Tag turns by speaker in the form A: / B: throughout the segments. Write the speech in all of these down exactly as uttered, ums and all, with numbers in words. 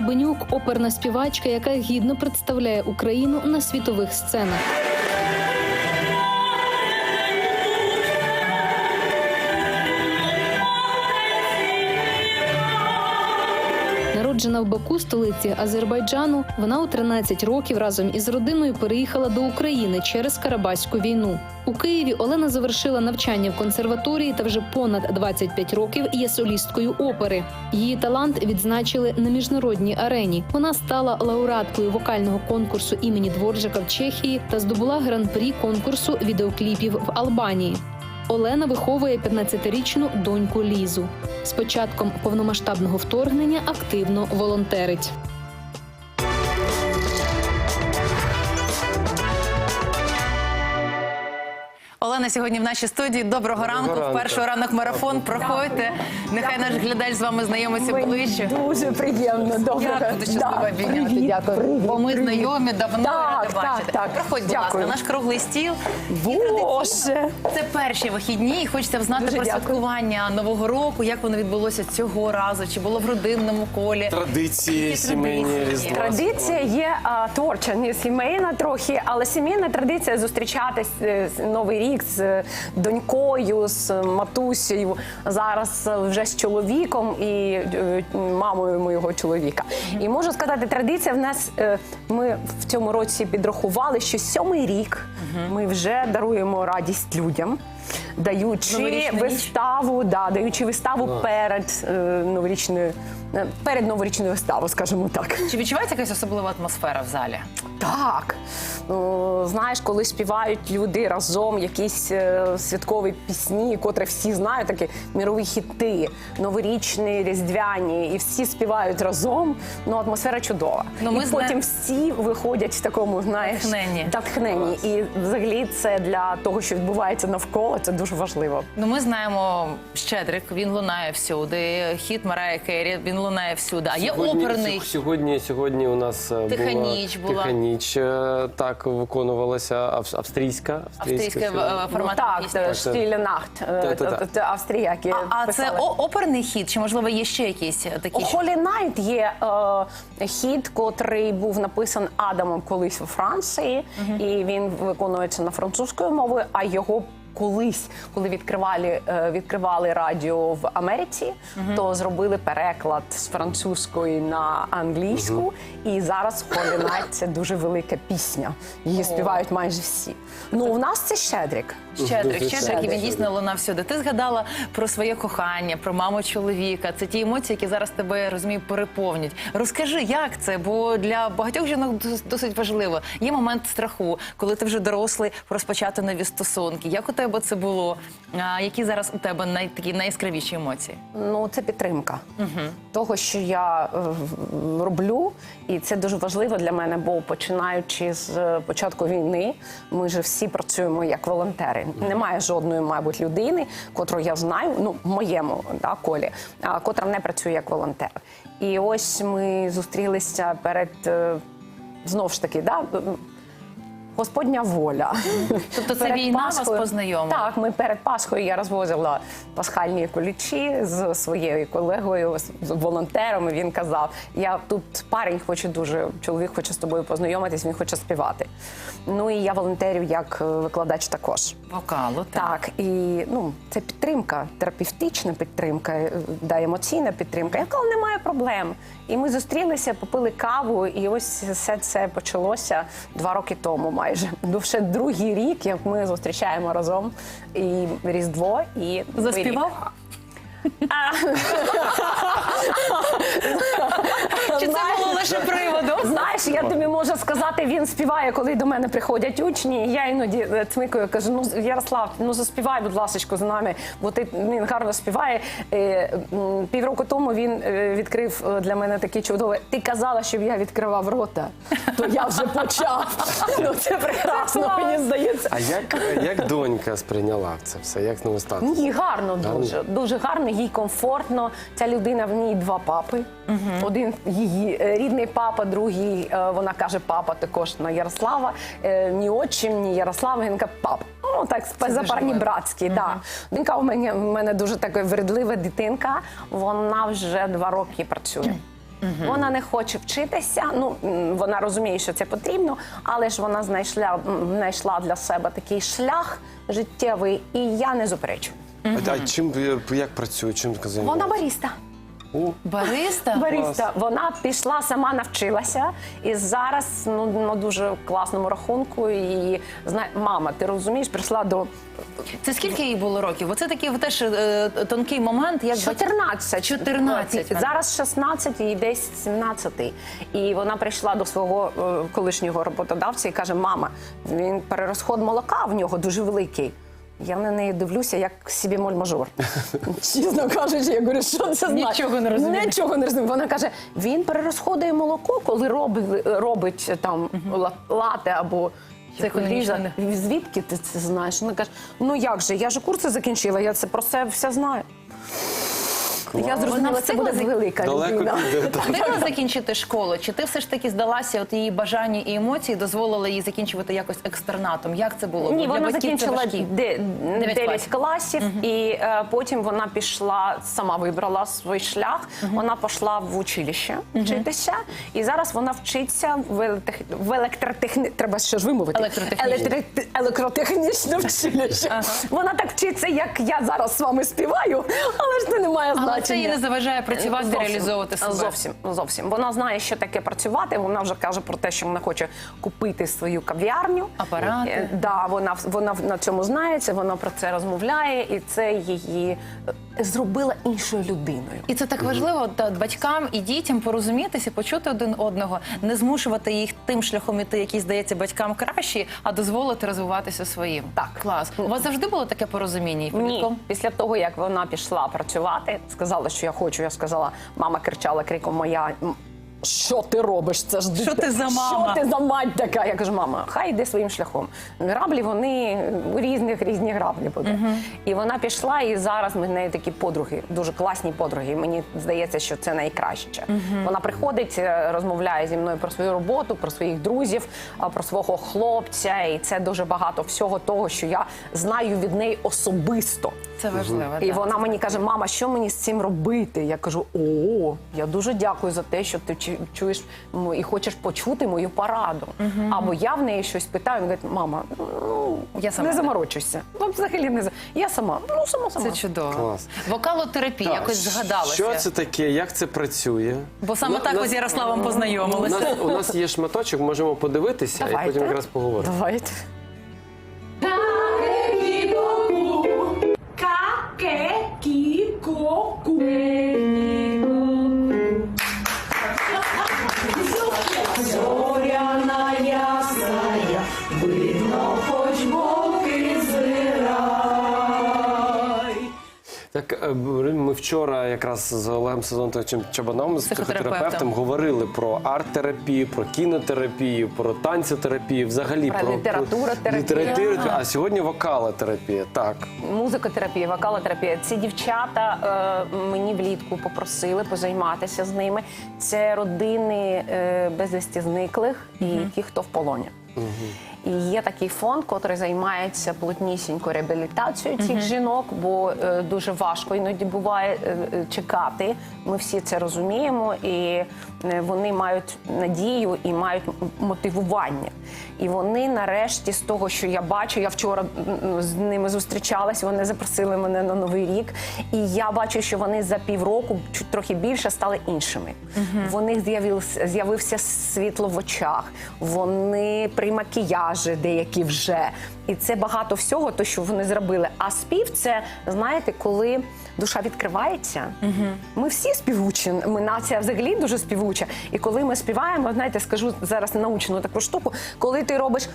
A: Лубенюк – оперна співачка, яка гідно представляє Україну на світових сценах. Народжена в Баку, столиці Азербайджану, вона у тринадцять років разом із родиною переїхала до України через Карабаську війну. У Києві Олена завершила навчання в консерваторії та вже понад двадцять п'ять років є солісткою опери. Її талант відзначили на міжнародній арені. Вона стала лауреаткою вокального конкурсу імені Дворжака в Чехії та здобула гран-прі конкурсу відеокліпів в Албанії. Олена виховує п'ятнадцятирічну доньку Лізу. З початком повномасштабного вторгнення активно волонтерить.
B: Олена сьогодні в нашій студії. Доброго, Доброго ранку. ранку. Вперше ранок марафон. Проходьте. Нехай наш глядач з вами знайомиться ближче.
C: Дуже приємно. Доброго.
B: Я буду щаслива обійняти. Дякую. Бо ми знайомі, давно
C: так,
B: ради бачити.
C: Так, так.
B: Проходь, будь ласка, наш круглий стіл.
C: Боже!
B: Це перші вихідні. І хочеться знати
C: Дуже
B: про
C: дякую.
B: святкування Нового року. Як воно відбулося цього разу? Чи було в родинному колі?
D: Традиції, сімейні, Різдва.
C: Традиція є а, творча, не сімейна трохи, але сімейна традиція зустрічатись е, Новий рік з донькою, з матусею, зараз вже з чоловіком і е, мамою моєго чоловіка. І можу сказати, традиція в нас, е, ми в цьому році підрахували, що сьомий рік ми вже даруємо радість людям, даючи виставу, да, даючи виставу wow. перед е, новорічною, перед новорічною виставою, скажімо так.
B: Чи відчувається якась особлива атмосфера в залі?
C: Так. Ну, знаєш, коли співають люди разом якісь е, святкові пісні, котрі всі знають, такі мірові хіти, новорічні, різдвяні, і всі співають разом, ну, атмосфера чудова. Ну, ми і зна... потім всі виходять в такому, знаєш,
B: натхненні.
C: натхненні. І взагалі це для того, що відбувається навколо, це дуже важливо.
B: Ну, ми знаємо Щедрик, він лунає всюди, хіт Марайї Керрі, він лунає всюди. А є
D: сьогодні,
B: оперний?
D: Сьогодні, сьогодні у нас
B: Тиха
D: була
B: ніч була.
D: Тиха ніч, так виконувалася, австрійська.
B: Австрійська формат.
C: Ну, так, Стіле Нахт, австріяки.
B: А, а це оперний хіт, чи можливо є ще якісь такі?
C: Холі Найт є е, хіт, котрий був написан Адамом колись у Франції, uh-huh. і він виконується на французькою мовою, а його колись, коли відкривали, відкривали радіо в Америці, uh-huh. то зробили переклад з французької на англійську, uh-huh. і зараз Holy Night – це дуже велика пісня. Її oh. співають майже всі. Ну, у нас це Щедрик.
B: Щедрик, Щедрик, і він дійсно лунав всюди. Ти згадала про своє кохання, про маму чоловіка. Це ті емоції, які зараз тебе, я розумію, переповнюють. Розкажи, як це? Бо для багатьох жінок досить важливо. Є момент страху, коли ти вже дорослий, розпочати нові стосунки. Як у тебе це було? А які зараз у тебе най, такі найяскравіші емоції?
C: Ну, це підтримка
B: угу.
C: того, що я е, роблю. І це дуже важливо для мене, бо починаючи з початку війни, ми ж всі працюємо як волонтери. Немає жодної, мабуть, людини, котру я знаю, ну, в моєму да, колі, а, котра не працює як волонтер. І ось ми зустрілися перед, знову ж таки, да, Господня воля.
B: Тобто це війна вас познайомила?
C: Так, ми перед Пасхою я розвозила пасхальні кулічі з своєю колегою, з волонтером, і він казав, я тут парень хоче дуже, чоловік хоче з тобою познайомитись, він хоче співати. Ну і я волонтерю як викладач також.
B: Вокалу, так.
C: Так, і ну, це підтримка, терапевтична підтримка, да, емоційна підтримка. Я казала, немає проблем. І ми зустрілися, попили каву, і ось все це почалося два роки тому майже. Вже другий рік, як ми зустрічаємо разом і Різдво, і
B: заспівав? Чи це було лише приводом?
C: Знаєш, я тобі можу сказати, він співає, коли до мене приходять учні, і я іноді цмикаю, кажу, ну, Ярослав, ну заспівай, будь ласочку, з нами, бо ти, він гарно співає. Півроку тому він відкрив для мене такі чудові, ти казала, щоб я відкривав рота, то я вже почав. Ну, це прекрасно, мені здається.
D: А як, як донька сприйняла це все? Як новий статус?
C: Ні, гарно дуже, дуже гарно, їй комфортно. Ця людина, в ній два папи. Угу. Один її рідний папа, другий, вона каже, папа також на Ярослава. Ні отчим, ні Ярослава, він каже, папа. Ну, так, запарні братські, угу. да. Донька у мене, у мене дуже така вередлива дитинка, вона вже два роки працює. Вона не хоче вчитися. Ну м, вона розуміє, що це потрібно, але ж вона знайшла м, знайшла для себе такий шлях життєвий, і я не заперечую.
D: А, а чим е, як працює? Чим займається?
C: Вона бариста.
D: О,
B: Бариста?
C: Бариста. Вона пішла, сама навчилася, і зараз ну, на дуже класному рахунку. І знає, мама, ти розумієш, прийшла до
B: Це скільки їй було років? Оце такий теж е, тонкий момент, як батьки-
C: чотирнадцять.
B: чотирнадцять.
C: Зараз шістнадцять і десь сімнадцять. І вона прийшла до свого е, колишнього роботодавця і каже: мама, він перерозход молока в нього дуже великий. Я на неї дивлюся, як собі моль-мажор. Чесно кажучи, я говорю, що це значить?
B: Нічого не розумію.
C: Нічого не розумію. Вона каже, він перерозходує молоко, коли робить, робить там ла- лате або
B: Це економічно
C: ріже. Звідки ти це знаєш? Вона каже, ну як же, я ж курси закінчила, я це про це все знаю. Я зрозуміла,
B: Вона
C: це буде
B: встигла
C: велика
D: далеко
C: людина.
D: піде. так.
B: Встигла закінчити школу? Чи ти все ж таки здалася, от її бажання і емоції дозволили їй закінчувати якось екстернатом? Як це було?
C: Ні,
B: Бо для
C: вона
B: батьків це
C: закінчила
B: важкі.
C: де-
B: Дев'ять
C: дев'ять
B: класів.
C: класів, і е, потім вона пішла, сама вибрала свій шлях. Вона пішла в училище вчитися, і зараз вона вчиться в, електех... в електротехні... Треба ще ж вимовити.
B: Електротехнічне.
C: Електри- Електротехнічне училище. Вона так вчиться, як я зараз з вами співаю, але ж це не має значення.
B: Але це їй не заважає працювати,
C: Зовсім.
B: реалізовувати себе.
C: Зовсім, зовсім. Вона знає, що таке працювати. Вона вже каже про те, що вона хоче купити свою кав'ярню.
B: Апарати.
C: Е, Да, вона, вона на цьому знається, вона про це розмовляє, і це її е, зробила іншою людиною.
B: І це так важливо та, батькам і дітям порозумітися, почути один одного, не змушувати їх тим шляхом іти, який здається батькам кращий, а дозволити розвиватися своїм.
C: Так.
B: Клас. У вас завжди було таке порозуміння? і
C: Ні,
B: підлітком?
C: після того, як вона пішла працювати, сказала, що я хочу, я сказала, мама кричала криком моя. «М, Що ти робиш? Це ж
B: Що
C: дитя-
B: ти за мама?»
C: Що ти за мать така? Я кажу, мама, хай йде своїм шляхом. Граблі вони у різних різні граблі будуть. І вона пішла, і зараз ми в неї такі подруги, дуже класні подруги. Мені здається, що це найкраще. Вона приходить, е, розмовляє зі мною про свою роботу, про своїх друзів, а, про свого хлопця. І це дуже багато всього того, що я знаю від неї особисто.
B: Це важливо.
C: І
B: так.
C: вона мені каже, мама, що мені з цим робити? Я кажу, о, я дуже дякую за те, що ти чу- чуєш м, і хочеш почути мою пораду. Або я в неї щось питаю, вона говорить, мама, ну,
B: Я сама.
C: не заморочуйся. Ну, взагалі не за... Я сама, ну, сама, сама.
B: Це чудово.
D: Клас.
B: Вокалотерапія, якось згадалося.
D: Що це таке? Як це працює?
B: Бо саме
D: Ну,
B: так
D: нас-
B: ви з Ярославом
D: У
B: познайомилися.
D: нас, у нас є шматочок, можемо подивитися і потім якраз поговоримо.
C: Давайте.
E: Зоряна ясная, видно, хоч боки збирай.
D: Так, е, ми вчора якраз з Олегом Сезонтовичем Чабаном, з
B: Психотерапевтом.
D: психотерапевтом, говорили про арт-терапію, про кінотерапію, про танцетерапію, взагалі
C: Про літературотерапію.
D: літературотерапію. А сьогодні вокалотерапія. Так.
C: Музикотерапія, вокалотерапія. Ці дівчата е, мені влітку попросили позайматися з ними. Це родини е, безвісті зниклих і ті, хто в полоні. І є такий фонд, який займається плотнісінько реабілітацією цих жінок, бо е, дуже важко іноді буває е, е, чекати. Ми всі це розуміємо, і е, вони мають надію і мають м- мотивування. І вони нарешті, з того, що я бачу, я вчора м, з ними зустрічалась, вони запросили мене на Новий рік, і я бачу, що вони за півроку, чуть трохи більше, стали іншими. В них з'явився, з'явився світло в очах, вони при макіяжі деякі вже. І це багато всього, то, що вони зробили. А спів – це, знаєте, коли душа відкривається. Ми всі співучі, ми нація взагалі дуже співуча. І коли ми співаємо, знаєте, скажу зараз научну таку штуку, коли ти робиш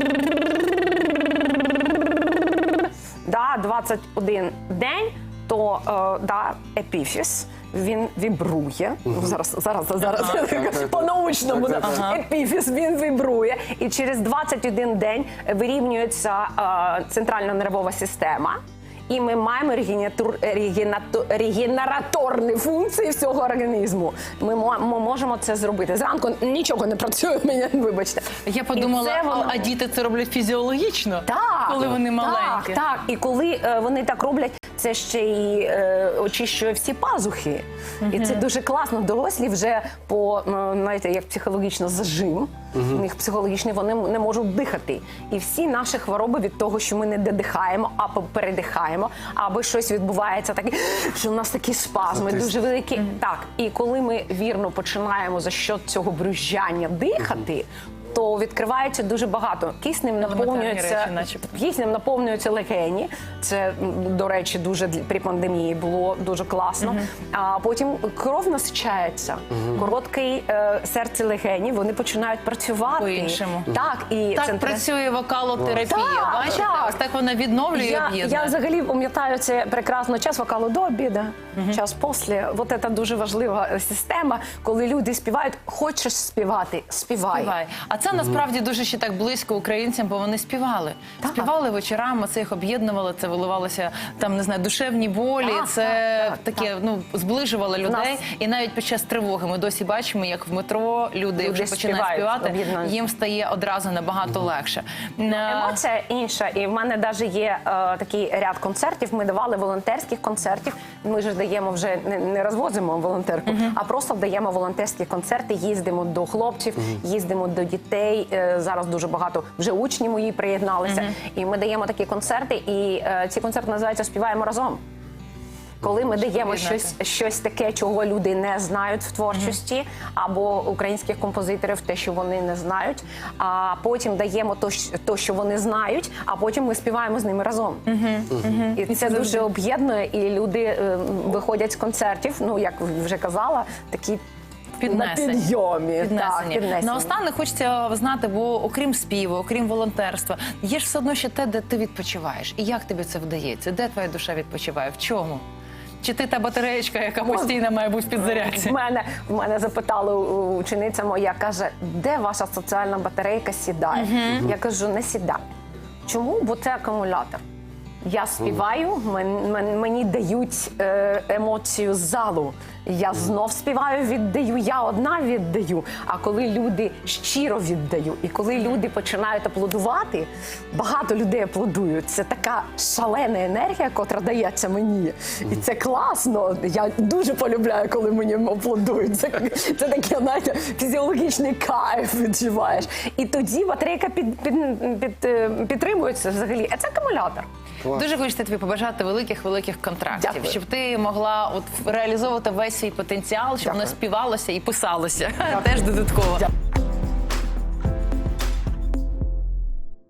C: да, двадцять один день, то е, да, епіфіз, він вібрує. Зараз, зараз, зараз, по-научному.
D: Так, так,
C: да. Епіфіз, він вібрує. І через двадцять один день вирівнюється е, центральна нервова система. І ми маємо регенератур- регенату- регенераторні функції всього організму. Ми, мо- ми можемо це зробити. Зранку нічого не працює, мене, вибачте.
B: Я
C: І
B: подумала,
C: це воно-
B: а, а діти це роблять фізіологічно,
C: так,
B: коли вони маленькі.
C: Так, так. І коли е, вони так роблять, це ще й е, очищує всі пазухи. І це дуже класно. Дорослі вже по, ну, знаєте, як психологічно зажим. У них психологічний, вони не можуть дихати. І всі наші хвороби від того, що ми не додихаємо, або передихаємо, або щось відбувається таке, що у нас такі спазми
D: Затиск.
C: дуже великі. Так, і коли ми вірно починаємо за счет цього брюзжання дихати, то відкривається дуже багато. Киснем наповнюється,
B: речі, начебто.
C: киснем наповнюються легені. Це, м, до речі, дуже для- при пандемії було дуже класно. А потім кров насичається. Короткий е, серце легені, вони починають працювати.
B: По-іншому.
C: Так, і
B: Так
C: центри-
B: працює вокалотерапія,
C: Так,
B: бачите?
C: так.
B: Ось так вона відновлює і
C: Я,
B: об'єднує.
C: я взагалі пам'ятаю це прекрасно час вокалу до обіду, час після. Вот це дуже важлива е, система, коли люди співають, хочеш співати, співай.
B: Співай. А це насправді дуже ще так близько українцям, бо вони співали.
C: Так.
B: Співали вечорами, це їх об'єднувало, це виливалося там, не знаю, душевні болі.
C: Так,
B: це
C: так, так,
B: таке, ну, зближувало людей.
C: Нас-
B: І навіть під час тривоги ми досі бачимо, як в метро люди,
C: Люди
B: вже починають
C: співають,
B: співати,
C: об'єднуються.
B: їм стає одразу набагато легше. Е,
C: Емоція інша, і в мене навіть є е, такий ряд концертів. Ми давали волонтерських концертів. Ми ж даємо вже не, не розвозимо волонтерку, а просто даємо волонтерські концерти. Їздимо до хлопців, їздимо до дітей. Е, зараз дуже багато вже учні мої приєдналися. І ми даємо такі концерти. І е, ці концерти називаються «Співаємо разом». Коли ми даємо
B: об'єднати.
C: щось, щось таке, чого люди не знають в творчості, або українських композиторів, те, що вони не знають, а потім даємо то, щ- то, що вони знають, а потім ми співаємо з ними разом. І це дуже об'єднує, і люди е, виходять з концертів, ну, як вже казала, такі
B: Піднесені.
C: на підйомі. Так,
B: Піднесені.
C: піднесені.
B: Наостанок хочеться знати, бо окрім співу, окрім волонтерства, є ж все одно ще те, де ти відпочиваєш. І як тобі це вдається? Де твоя душа відпочиває? В чому? Чи ти та батареєчка, яка постійно має бути в підзарядці?
C: В мене, в мене запитала у- учениця моя, каже, де ваша соціальна батарейка сідає? Я кажу, не сідає. Чому? Бо це акумулятор. Я співаю, мен- мен- мені дають е, емоцію з залу. Я знов співаю, віддаю, я одна віддаю. А коли люди щиро віддаю, і коли люди починають аплодувати, багато людей аплодують. Це така шалена енергія, котра дається мені. І це класно. Я дуже полюбляю, коли мені аплодують. Це, це таке, знаєте, фізіологічний кайф відчуваєш. І тоді батарейка під, під, під, е, підтримується взагалі. А це акумулятор.
B: Дуже хочеться тобі побажати великих-великих контрактів,
C: Дякую.
B: щоб ти могла от реалізовувати весь свій потенціал, щоб
C: Дякую.
B: воно співалося і писалося теж додатково.